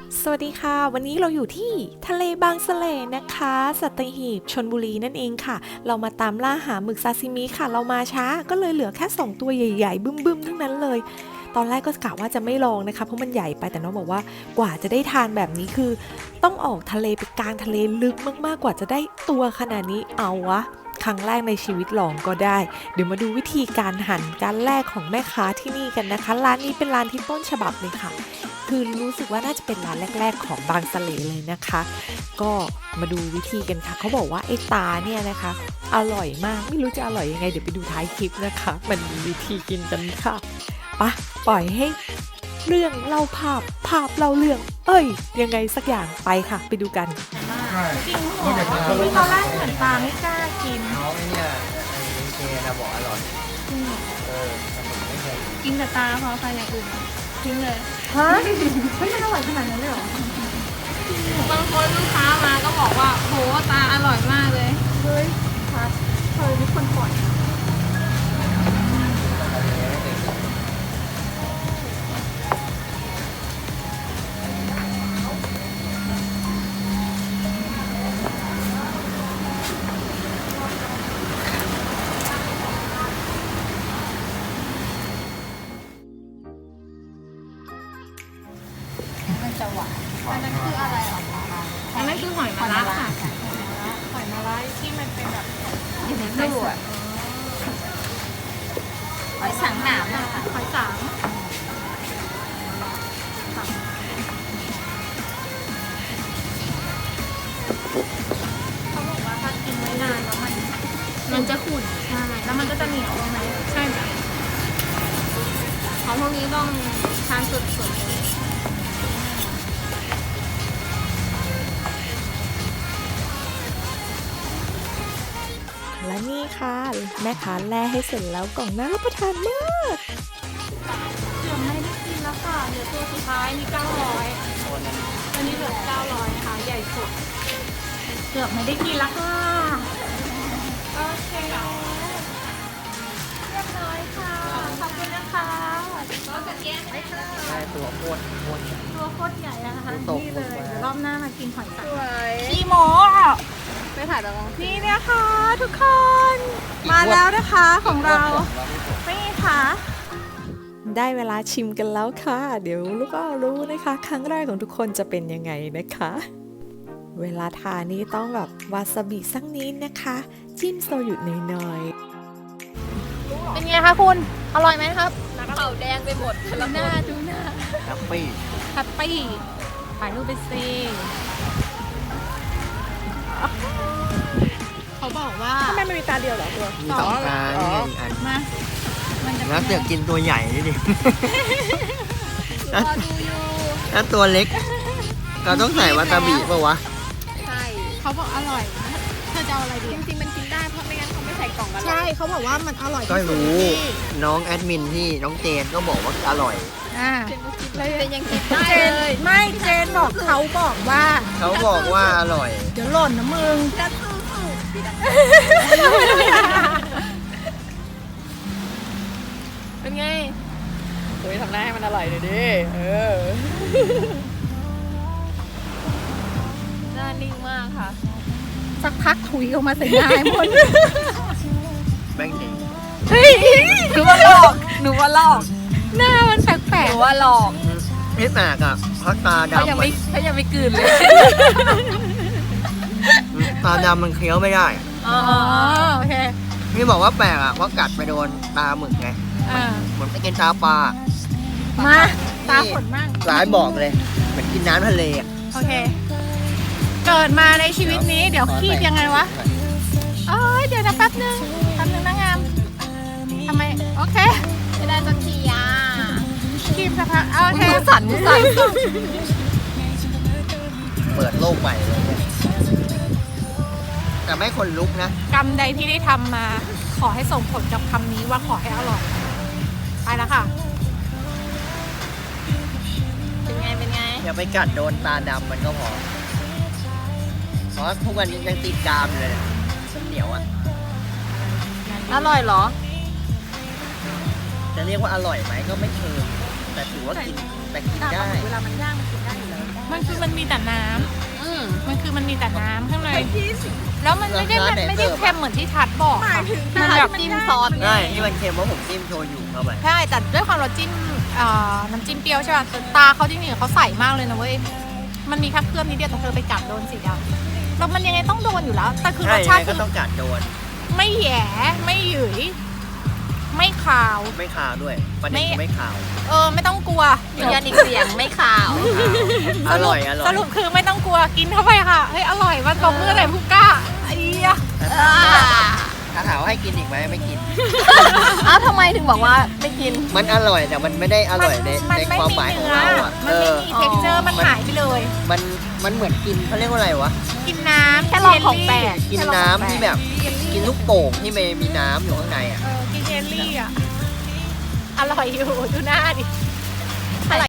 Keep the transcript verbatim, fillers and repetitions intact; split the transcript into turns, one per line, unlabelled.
สวัสดีค่ะวันนี้เราอยู่ที่ทะเลบางสะเลนะคะสัตหีบชลบุรีนั่นเองค่ะเรามาตามล่าหาหมึกซาซิมิค่ะเรามาช้าก็เลยเหลือแค่สองตัวใหญ่ๆบึ้มๆทั้งนั้นเลยตอนแรกก็กะว่าจะไม่ลองนะคะเพราะมันใหญ่ไปแต่น้องบอกว่ากว่าจะได้ทานแบบนี้คือต้องออกทะเลไปกลางทะเลลึกมากๆกว่าจะได้ตัวขนาดนี้เอาวะครั้งแรกในชีวิตลองก็ได้เดี๋ยวมาดูวิธีการหั่นการแรกของแม่ค้าที่นี่กันนะคะร้านนี้เป็นร้านที่ต้นฉบับเลยค่ะคือรู้สึกว่าน่าจะเป็นร้านแรกๆของบางสะเลเลยนะคะก็มาดูวิธีกันค่ะเขาบอกว่าไอ้ตาเนี่ยนะคะอร่อยมากไม่รู้จะอร่อยยังไงเดี๋ยวไปดูท้ายคลิปนะคะมันมีวิธีกินกันค่ะปะปล่อยให้เรื่องเล่าภาพภาพเล่าเรื่องเอ้ยยังไงสักอย่างไปค่ะไปดูกัน
จริงเหรอที่ตอนแรกเหมือนปลาไม่กล้ากิน
น้องเนี่ยไอ้เจนะบอกอร่อยเออแต่ผมไม่เคย
กินแต่ตาพอไปอย่างอื่นทิ้งเลย
ฮะไม่มันอร่อยขนาดนั้นเลยเหรอ
บางคนลูกค้ามาก็บอกว่าโหตาอร่อยมากเลย
เฮ้ยพัดเธอทุกคนปล่อยนะ
มันจะหวานอันนั้นคืออะไรหรอคะอันนั้นคือหอยมะระค่ะหอยมะระที่มันเป็นแบบอยู่ในตู้อ่ะหอยสังหนามอะค่ะหอยสังเขาบอกว่าถ้ากินไว้นานแล้วมันมันจะขุ่นใช่แล้วมันก็จะเหนียวใช่ไหมใช่ค่ะของพวกนี้ต้องทานสดๆเลย
และนี่ค่ะแม่ค้าแล่ให้เสร็จแล้วกล่องน่ารับประทานมาก
เกือบไม่ได้กินแล้วค่ะเหลือตัวสุดท้ายนี่เก้าร้อยอันนี้เหลือเก้าร้อยนะคะใหญ่สุด เกือบไม่ได้กินแล้วค่ะ โอเคเรียบร้อยค่ะ ขอบคุณนะคะก็จะแยกได้ค่ะ
ใช่ตัวโคตรโคตร
ตัวโคตรใหญ่อะนะคะ
ตก
นี่เลย
ลงไป
เดี๋ยวรอบหน้ามากินหอยสัง
สวย
พี่โมอ่ะ
ไปถ่ายแบบนี้
นี่นะคะทุกคน มาแล้วนะคะของเรานี่ค่ะ
ได้เวลาชิมกันแล้วค่ะ เดี๋ยวลูกก็รู้นะคะ ครั้งแรกของทุกคนจะเป็นยังไงนะคะ เวลาทานนี่ต้องแบบวาซาบิสักนิดนะคะ จิ้มโซยุหน่อย
เป็นไงคะคุณ อร่อยไหมครับเข่าแดงไปหมดดูหน้าดูหน้า
แฮปปี้
แฮปปี้ถ่ายรูปไปสิเขาบอกว่า
ทำไมมันมีตาเดียวเหรอตัว
มีสองตานี่อีกอัน
มา มันจะ
แล้วเสือกกินตัวใหญ่นี่ดิ
รอดูอยู่
ถ้าตัวเล็ก เราต้องใส่วาซาบิป่าวะ
ใช่
เขาบอกอร่อยนะเธอจะเอาอะไรดี
จริงๆมันกินได้เพราะไม่งั้นเขาไม่ใส่กล่องกันหรอก
ใช่เขาบอกว่ามันอร่อย
ก็
ที่สุด
รู้
ที่
น้องแอดมินที่น้องเจนก็บอกว่าอร่อย
อ่า
เจนก็กินเลยเจนยังกินได้
เจน
เลย
ไม่เจนบอกเขาบอกว่า
เขาบอกว่าอร่อย
เดี๋ยวหล่นนะมึง
จะสู้สู้พี่ดัก เป็นไงเฮ้ยทำหน้าให้มันอร่อยหน่อยดิ เออ หน้านิ่งมากค่ะ
สักพักถุยออกมาใส่หน้าให้หมด
แบงค์จริง
เฮ้ยหนูว่าหลอก หนูว่าหลอก
หน้ามันแปล
ห
ก
นูว่าหลอก
พิษหนักอ่ะเพราะตา
เขายัง
ดำมั
ไม่
น
เขายังไม่กลืนเลย
ตาดำมันเคี้ยวไม่ได้
อ๋อ
ๆอ๋อโอเค
นี่บอกว่าแปลกอ่ะเพราะกัดไปโดนตาหมึกไง
อ่า
เหมือนไปกินตาปลา
มาตาขนมาก
หลายบอกเลยเหมือนกินน้ำทะเลอ่ะ
โอเค เกิดมาในชีวิตนี้เดี๋ยวคีบยังไงวะเอ้ยเดี๋ยวนะแป๊บนึงแป๊บนึงนะงามทำไมโอเค
ไม่ได้สักทีอ่ะ
คีบสักพักโอเค
มือสั่นมือสั่น
เปิดโลกใหม่เลยเนี่ยแต่ไม่คนลุกนะ
กรรมใดที่ได้ทำมา ขอให้ส่งผลกับคำนี้ว่าขอให้อร่อย ไปแล้วค่ะ
เป็นไง เป็นไง
อย่าไปกัดโดนตาดำมันก็พอ เพราะทุกวันนี้ยังติดกรามอยู่เลยเนี่ยมันเหนียวอ่ะ
อร่อยเหรอ
จะเรียกว่าอร่อยไหมก็ไม่เชิงแต่ถือว่ากินแต่กินได้
เวลามันย่างมันกินได้อยู่แล้ว
มันมันคือมันมีแต่น้ำ
อืม
มันคือมันมีแต่น้ำข้างในแล้วมันไม่ได้มันไม่ได้เค็มเหมือนที่ทัดบอกค่ะมันแบบ
จิ้มซอส
ใช่ที่มันเค็มเพราะผมจิ้มโชยุเข้าไป
ใช่แต่ด้วยความเราจิ้มเอ่อน้ำจิ้มเปรี้ยวใช่ป่ะแต่ตาเขาจริงๆเขาใส่มากเลยนะเว้ยมันมีแค่เครื่องนิดเดียวแต่เธอไปกัดโดนสีดำแล้วมันยังไงต้องโดนอยู่แล้ว แต่คือร
ใช่
ส
ยั
ชาง ติ
ไงก็
คือ
ต้องกัดโดน
ไม่แหย่ไม่หยุยไม่ขาว
ไม่ขาวด้วยประเด็นคือไม่ขาว
เออไม่ต้องกลัว
ยืนยันอีกเสียงไม่ขาว
อร่อยอร่อย
สรุปคือไม่ต้องกลัวกินเข้าไปค่ะเฮ้ยอร่อยมันบอกมืออะไรผู้กล้าไอ้เหี้ย
ถ้าถามว่าให้กินอีกไหมไม่กิน
อ้าวทำไมถึงบอกว่าไม่กิน
มันอร่อยแต่มันไม่ได้อร่อยใน
มัน
ใน
ไม่
ความ
มี
หมายของ
เนื้อ
เราอ่ะ
มัน
เอ
ไม่
อ
มี texture มันหายไปเลย
มันมันเหมือนกินเขาเรียกว่าอะไรวะ
กินน้ำ
แค่ลองของแปลก
กินน้ำที่แบบกินลูกโป่งที่ไม่มีน้ำอยู่ข้างในอ่ะ
เออกินเยลลี่อ่ะ อร่อยอยู่ดูหน้าดิ